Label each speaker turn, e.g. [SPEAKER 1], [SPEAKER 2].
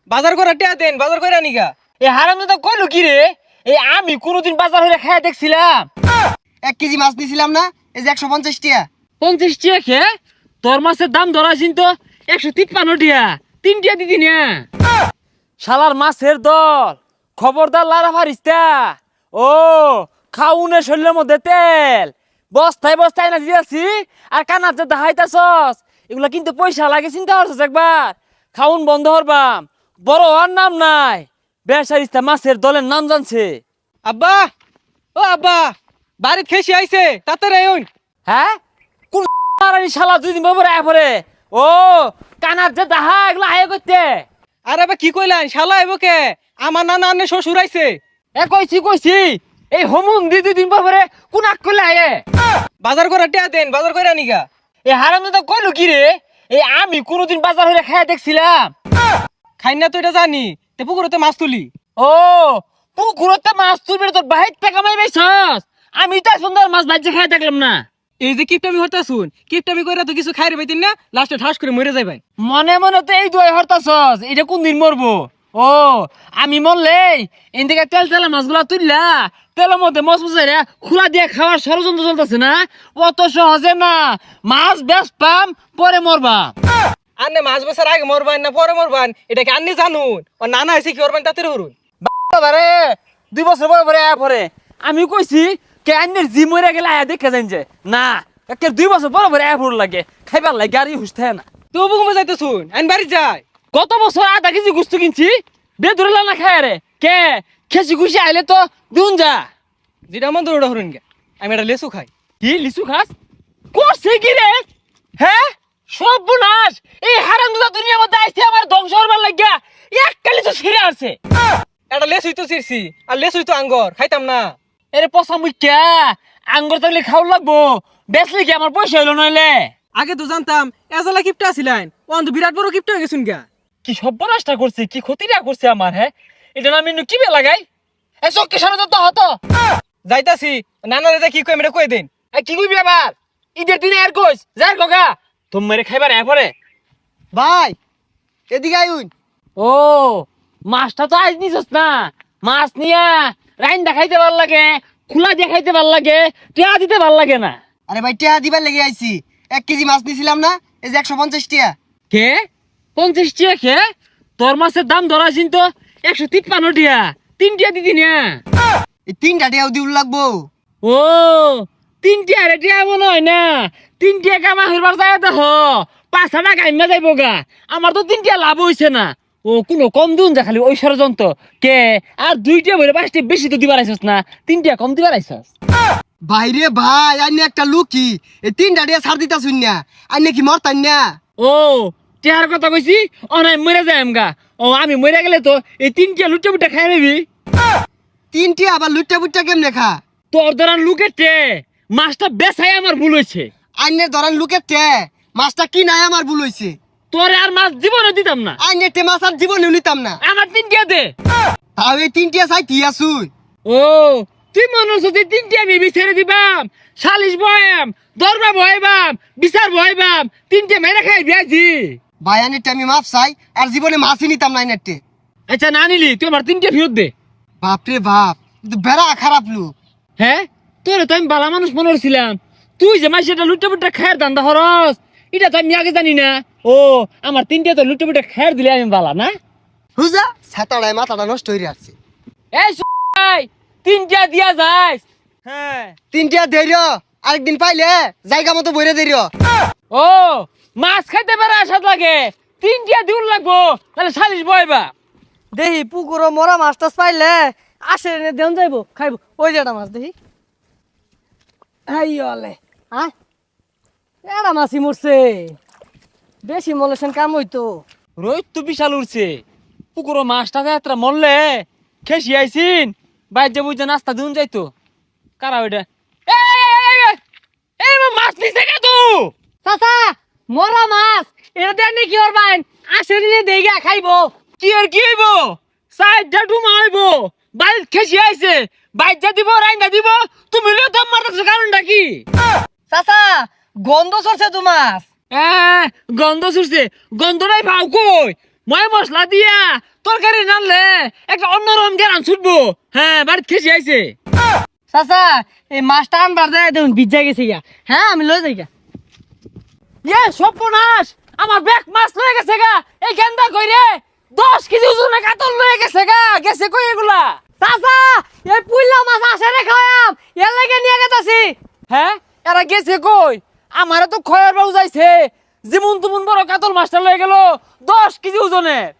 [SPEAKER 1] বাজার করে টিয়া দেন, বাজার করে আনিগা।
[SPEAKER 2] এ হারামজাদা কইলো কি রে? এই আমি কোনোদিন বাজার হইলে খাইয়া দেখছিলাম
[SPEAKER 3] 1 কেজি মাছ নিছিলাম না, এই যে 150 টাকা।
[SPEAKER 2] 50 টাকা খে তোর মাছের দাম ধরাছিন তো 153 টাকা, 3 টাকা দিদি না। শালার মাছের দল, খবরদার লারা ফারিস্তা। ও খাউনে শরীরের মধ্যে তেল বস্তায় বস্তায় না দিয়েছি, আর কানার যে দেখাইতাছস এগুলা কিন্তু পয়সা লাগে, চিন্তা করছস একবার? খাউন বন্ধ হরবাম, বড় হওয়ার নাম নাই। বেসারিস্তা মাছের দলের নাম জানছে।
[SPEAKER 1] আব্বা, ও আব্বা, বাড়িত খেসি আইছে, তাড়াতাড়ি আইন।
[SPEAKER 2] হ্যাঁ কোন শালা 2 দিন পরে আয় পরে? ও কানার যে দাহা এগুলা আয় করতে।
[SPEAKER 1] আর আবার কি কইলেন, শালা আইব কে? আমার নানা আন্নে শ্বশুর আইছে।
[SPEAKER 2] এ কইছি এই হোমুন 2 দিন পরে কোন আক করলে আয়ে?
[SPEAKER 1] বাজার করে টিয়া দেন, বাজার করে আনিগা।
[SPEAKER 2] এই হারামজাদা কইলো কি রে? এই আমি কোনোদিন বাজার হইলে খাইয়া দেখছিলাম।
[SPEAKER 1] খাই না তো এটা জানি, তে পুকুরতে মাছ তুলি।
[SPEAKER 2] ও পুকুরতে মাছ তুলবি তোর বাহির টাকা মাই বেছস? আমি তো সুন্দর মাছ ভাজি খাইয়া দেখলাম না।
[SPEAKER 1] এই যে কিপটামি হরতা শুন, কিপটামি কইরা তো কিছু খাইরে পাইতেন না, লাস্টে ঠাস করে মরে যাইবেন।
[SPEAKER 2] মনে মনে তো এই দুই হরতাছস, এটা কোন দিন মরবো? ও আমি মরলে এদিকে তেল তেলা মাছগুলা তুললা তেলের মধ্যে মশ মশাইরা খোলা দিয়ে খাওয়ার ষড়যন্ত্র চলতেছে না? অত সহজে না, মাছ বেশ পাম পরে মরবা।
[SPEAKER 1] আন্নে মাছ বছর আগে মরবান না পরে মরবান, এটা কি আন্নি জানুন? ও নানা আইছে কি করবেন তাতে হরুন।
[SPEAKER 2] বাবারে 2 বছর পরে আয়া পরে আমি কইছি কে আন্নের জি মরে গেলে আয়া দেখে যাইন যে না, একে 2 বছর পরে আয়া পড় লাগে খাইবার লাগে গাড়ি হুসতে না।
[SPEAKER 1] তো বুকুমে যাইতে শুন, আইন বাড়ি যায়।
[SPEAKER 2] গত বছর 1/2 কেজি গুস্তু কিনছি, বেদুরে না খায় রে কে খেসি খুশি আইলে তো দুন যা।
[SPEAKER 1] যেটা মন দৌড়া হরুন গে, আমি এটা লেসু খাই।
[SPEAKER 2] কি লিচু খাস? করছে কি রে? হ্যাঁ সর্বনাশ, এই হারামজাদা দুনিয়ার মধ্যে আইছে আমার ধ্বংস হবার লাগিয়া একটা লিচু ছিঁড়ে আসছে।
[SPEAKER 1] এটা লেসুই তো চিরছি, আর লেসুই তো আঙ্গর, খাইতাম না।
[SPEAKER 2] এরে পচা মুখ্যা, আঙ্গুর থাকলে খাওয়া লাগবো, বেচলে কি আমার পয়সা হইলো নইলে?
[SPEAKER 1] আগে তো জানতাম এজালা কিপটা আছিলেন, ও তো বিরাট বড় কিপটা হয়ে গেছুন গা।
[SPEAKER 2] কি সর্বনাশটা করছে, কি ক্ষতিটা করছে আমার। হ্যাঁ এটা না আমি কি বে লাগাই? এই চোখকে সামনে তো হতো।
[SPEAKER 1] যাইতাছি, নানারে যা কি কই আমি কই দেন।
[SPEAKER 2] এই কি কইবি আবার? ঈদের দিনে আর কইস যাই গগা তুমি মেরে খাইবার এ পরে।
[SPEAKER 3] ভাই এদিকে আইন।
[SPEAKER 2] ও মাছটা তো আজ নিছস না, মাছ নিয়া রাইন দেখাইতে ভাল লাগে, খোলা দেখাইতে ভাল লাগে, টিয়া দিতে ভাল লাগে না।
[SPEAKER 3] আরে ভাই টিয়া দিবার লেগে আইছি। 1 কেজি মাছ নিছিলাম না, এই যে 150 টাকা।
[SPEAKER 2] কে 50 টাকা খে? তোর মাছের দাম ধরাছিন তো 153 টাকা, 3 টাকা দিদি না।
[SPEAKER 3] এই 3টা টাকাও দিউল লাগবো।
[SPEAKER 2] ও 3 টাকা রে টিয়া মনে হয় না, 3 টাকা কামা হইবার যায় দেখ 5 টাকা কাইমা যাইবো গা। আমার তো 3 টাকা লাভ হইছে না। ও কোনো কম দিন যা খালি ওই ষড়যন্ত্র কে। আর 2টা বলে 5টা বেশি তো দিবার আইছস না, 3 টাকা কম দিবার আইছস।
[SPEAKER 3] ভাইরে ভাই আইনে একটা লুকি, এই 3টা টাকা ছাড় দিতা শুন না, আইনে কি মরতান না?
[SPEAKER 2] ও টিয়ার কথা কইছি, অনাই মরে যাইম গা। ও আমি মরে গেলে তো এই 3 টাকা লুটে বুটে খাই নিবি।
[SPEAKER 3] 3 টাকা আবার লুটটা বুটটা কেমনে খা?
[SPEAKER 2] তোর ধরান লুকেটে মাছটা বেচাই আমার ভুল হয়েছে।
[SPEAKER 3] আইনে ধরেন লুকের টে মাছটা কি নাই আমার ভুল হইছে।
[SPEAKER 2] তোরে আর মাছ জীবনে দিতাম না।
[SPEAKER 3] আইনে টে মাছ আর জীবনে নিতাম না।
[SPEAKER 2] আমার 3 টাকা দে।
[SPEAKER 3] তাও এই 3 টাকা চাই তিয়া শুন।
[SPEAKER 2] ও তুই মনে হচ্ছে যে 3 টাকা আমি বিচারে দিবাম, সালিশ বয়াম, দরবার বয়াবাম, বিচার বয়াবাম, 3 টাকা মেরে খাই বিয়াজি।
[SPEAKER 3] ভাই আইনে আমি মাছ চাই, আর জীবনে মাছই নিতাম না আইনেটে।
[SPEAKER 2] আচ্ছা না নিলি তুই আমার 3 টাকা ফেরত দে।
[SPEAKER 3] বাপরে বাপ, কিন্তু বেড়া খারাপ লোক।
[SPEAKER 2] হ্যাঁ তোরে তো আমি বালা মানুষ মনে করছিলাম, তুই যে মাছ এটা লুটে পুটে খায়ের দান্দা হরস এটা তো আমি আগে জানি না। ও আমার 3 টাকা তো লুটে পুটে খায়ের দিলে আমি বালা না।
[SPEAKER 3] হুজা ছাতাড়ায় মাথাটা নষ্ট হয়ে আসছে।
[SPEAKER 2] এই 3 টাকা দিয়া যাইস। হ্যাঁ
[SPEAKER 3] 3 টাকা ধৈর্য, আরেকদিন পাইলে জায়গা মতো বইরে ধৈর্য।
[SPEAKER 2] ও মাছ খাইতে পারে আসাদ লাগে, 3 টাকা দিউল লাগবো, তাহলে সালিশ বয়বা।
[SPEAKER 4] দেখি পুকুর মরা মাছ টাছ পাইলে আসে এনে দেন যাইবো খাইবো। ওই যে একটা মাছ দেখি, আইলে হ্যাঁ এটা মাছই মরছে, বেশি মলেছেন কাম হইতো।
[SPEAKER 2] রোহিত তো বিশাল উঠছে, পুকুরো মাছটা যাত্রা মরলে খেসি আইসিন বাইর যে বুঝে নাস্তা দিন যাইতো। কারা ওইটা? এই মাছ নিছে কে তু?
[SPEAKER 4] চাচা মরা মাছ এটা দেন কি করবেন? আসে নিয়ে দেইগা খাইবো।
[SPEAKER 2] কি আর কি হইব? সাইডটা ডুমা হইব, বাইর খেসি আইছে, বাইর যা দিব রাইন্দা দিব, তুমি লিও দম মারতেছো কারণটা কি?
[SPEAKER 4] চাচা গন্ধ সরছে তো মাছ।
[SPEAKER 2] গন্ধ ছুটছে, গন্ধটাই ভাও কই? ময় মশলা দিয়া তরকারি রানলে একটা অন্যরকম জ্ঞান ছুটবো। হ্যাঁ, বাড়িতে খেসি আইছে।
[SPEAKER 4] চাচা এই মাছটা আনবার দেয় দেখুন ভিজা গেছে গা। হ্যাঁ আমি লয়ে যাই গা।
[SPEAKER 2] ইয়ে সর্বনাশ, আমার ব্যাগ মাছ লয়ে গেছে গা। এই গেন্দা কইরে 10 কেজি ওজনের কাতল লয়ে গেছে গা। গেছে কই এগুলা?
[SPEAKER 4] চাচা এই পুইলা মাছ আসে রে খায়াম এর লাগে নিয়ে গেতাছি।
[SPEAKER 2] হ্যাঁ, এরা গেছে কই? আমারে তো খয়ের বাবু যাইছে, যেমন তুমন বড় কাতল মাছটা লয়ে গেল 10 কেজি ওজনের।